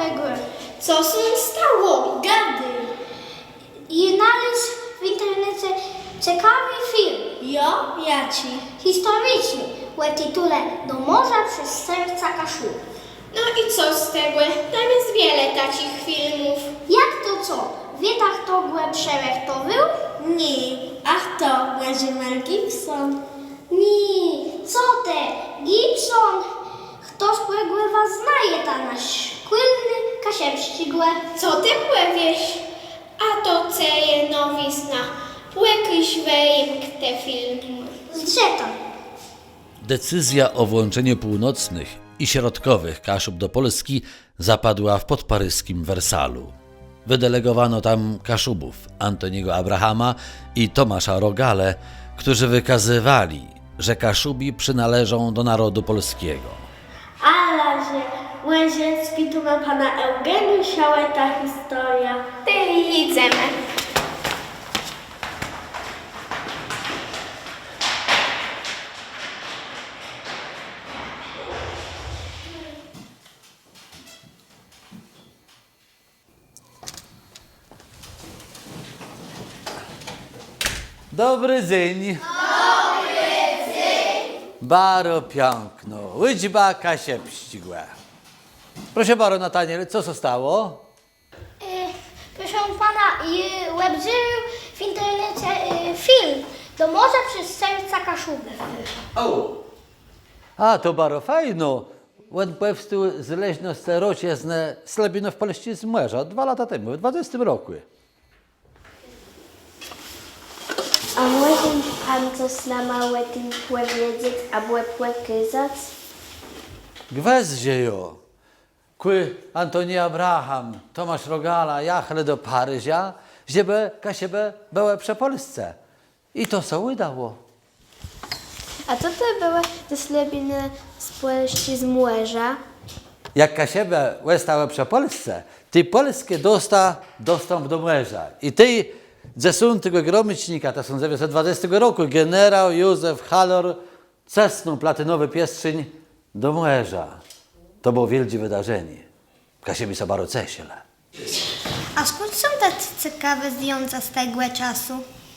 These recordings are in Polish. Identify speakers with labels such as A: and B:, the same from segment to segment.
A: spłegłe.
B: Co się stało? Gady.
A: I znalazł w internecie ciekawy film
B: Jaci.
A: historyczny o tytule Do morza przez serca Kaszub.
B: No i co z tego? Tam jest wiele takich filmów.
A: Jak to co? Wietach to głębsze to był?
B: Nie. Ach to, będzie Mel Gibson.
A: Nie, co te? Gibson? Kto spłegłe was znaje ta nasz szkłylny kasiepścigłe?
B: Co ty płewiesz? A to ceje nowizna. Płekyś wejem te filmy.
A: Zdzeta.
C: Decyzja o włączeniu północnych i środkowych Kaszub do Polski zapadła w podparyskim Wersalu. Wydelegowano tam Kaszubów Antoniego Abrahama i Tomasza Rogale, którzy wykazywali, że Kaszubi przynależą do narodu polskiego.
B: Ale że Łyżecki tu ma pana Eugeniusza, ta historia. Ty idziemy.
C: Dobry dzień. Baro piękno, łydźba kasiepścigłe. Proszę baro Nataniel, co zostało?
A: Proszę pana, webzył w internecie film Do morza przez serca Kaszuby.
C: A, to baro fajno. On powstał z leźno starociezne Slabino w Polsce z Młerza 2 lata temu, w 20 roku.
D: A może pan coś na małe tym powiedzieć, albo powiedzieć?
C: Gweździe jo. Kły Antoni Abraham, Tomasz Rogala, jachle do Paryża, żeby kasiebę były przy Polsce. I to co udało.
D: A co to były te slabiny z Polski z Młeża?
C: Jak kasiebę zostały przy Polsce, ty polskie dosta dostęp do Młerza. I ty ze tego gromycznika 1920 roku generał Józef Halor cesnął platynowy piestrzeń do Młerza. To było wielkie wydarzenie. Kasiebi sobie bardzo cieśle.
A: A skąd są te ciekawe zdjęcia z tego czasu?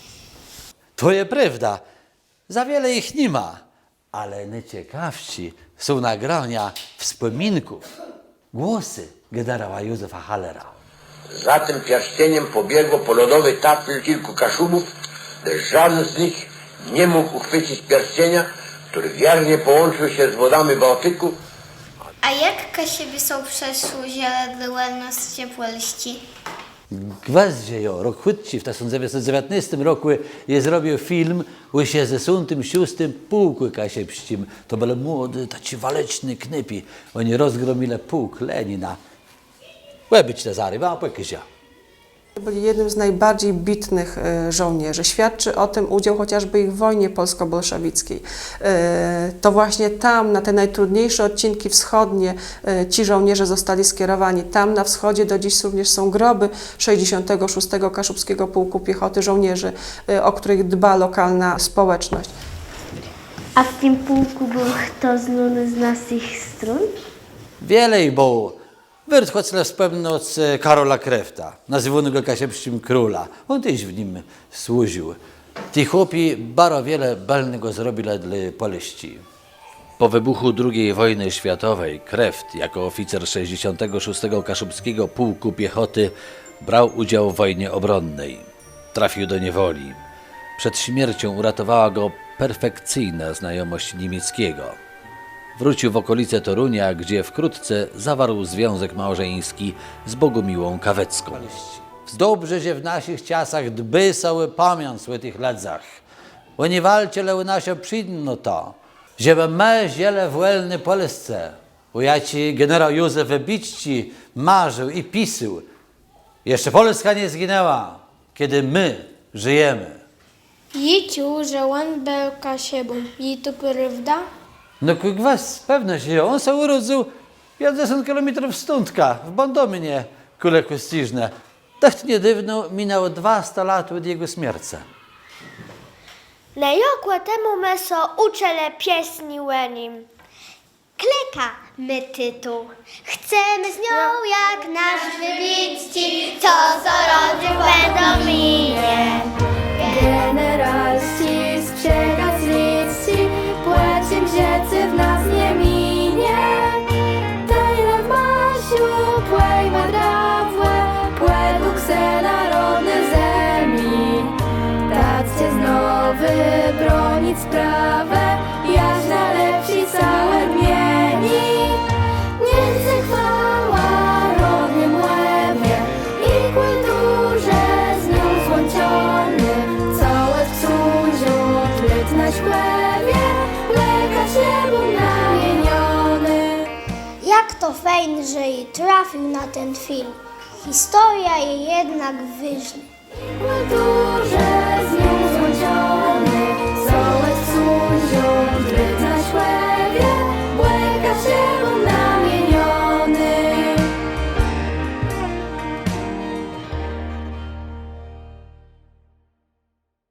C: To jest prawda. Za wiele ich nie ma. Ale najciekawsi są nagrania wspominków, głosy generała Józefa Hallera.
E: Za tym pierścieniem pobiegło po lodowy tafel kilku Kaszubów, lecz żaden z nich nie mógł uchwycić pierścienia, który wiernie połączył się z wodami Bałtyku.
A: A jak Kasiebi są przeszły ziele wolności Polski?
C: Gweździe jo, rok chwytci w 1919 roku je zrobił film o 66. pułku kasiepścim. To byli młody, taci waleczni knypi. Oni rozgromili pułk Lenina. Łebyć te zary, a pokizia.
F: Byli jednym z najbardziej bitnych żołnierzy. Świadczy o tym udział chociażby ich w wojnie polsko-bolszewickiej. To właśnie tam, na te najtrudniejsze odcinki wschodnie, ci żołnierze zostali skierowani. Tam na wschodzie do dziś również są groby 66. Kaszubskiego Pułku Piechoty żołnierzy, o których dba lokalna społeczność.
D: A w tym pułku był kto znany z naszych stron?
C: Wiele ich było. Wyrtchocle wspomnął z Karola Krefta, nazywanego Kasiepścim króla. On też w nim służył. Ci chłopi bardzo wiele balnego zrobili dla Polski. Po wybuchu II wojny światowej Kreft jako oficer 66. Kaszubskiego Pułku Piechoty brał udział w wojnie obronnej. Trafił do niewoli. Przed śmiercią uratowała go perfekcyjna znajomość niemieckiego. Wrócił w okolice Torunia, gdzie wkrótce zawarł związek małżeński z Bogumiłą Kawecką. Dobrze, że w naszych czasach dby sobie pamięć o tych ledzach. Oni walczyli u nas przyjemno to, żeby my ziele w wolnej Polsce. Bo ja ci generał Józef Wybicki marzył i pisał. Jeszcze Polska nie zginęła, kiedy my żyjemy.
B: Jiciu, że on był Kasiebą. I to prawda?
C: No kwas, pewno się. On się urodził 50 km stądka, w Bandominie, kule kościżne. Tak niedawno minęło 200 lat od jego śmierci.
D: Na jokłe temu meso uczele pieśni nim.
A: kleka my tytuł. Chcemy z nią jak nasz wybić ci, co rodził będą minie.
G: Generalści z przekaźnicy, płaciem rzeczy w nas nie minie. Tyle masiu, płej madrawłe, płedług se narodny zemi. Tacie znowu bronić sprawę, jaś na lepsi całe dmieni. Niech chwała rodnym łebie i kulturze z nią złączony. Całe w cudziu, tryt na śpiewie, lekarz niemu namieniony.
A: Jak to fajnie, że i trafił na ten film. Historia je jednak wyżnie.
G: Kulturze z nią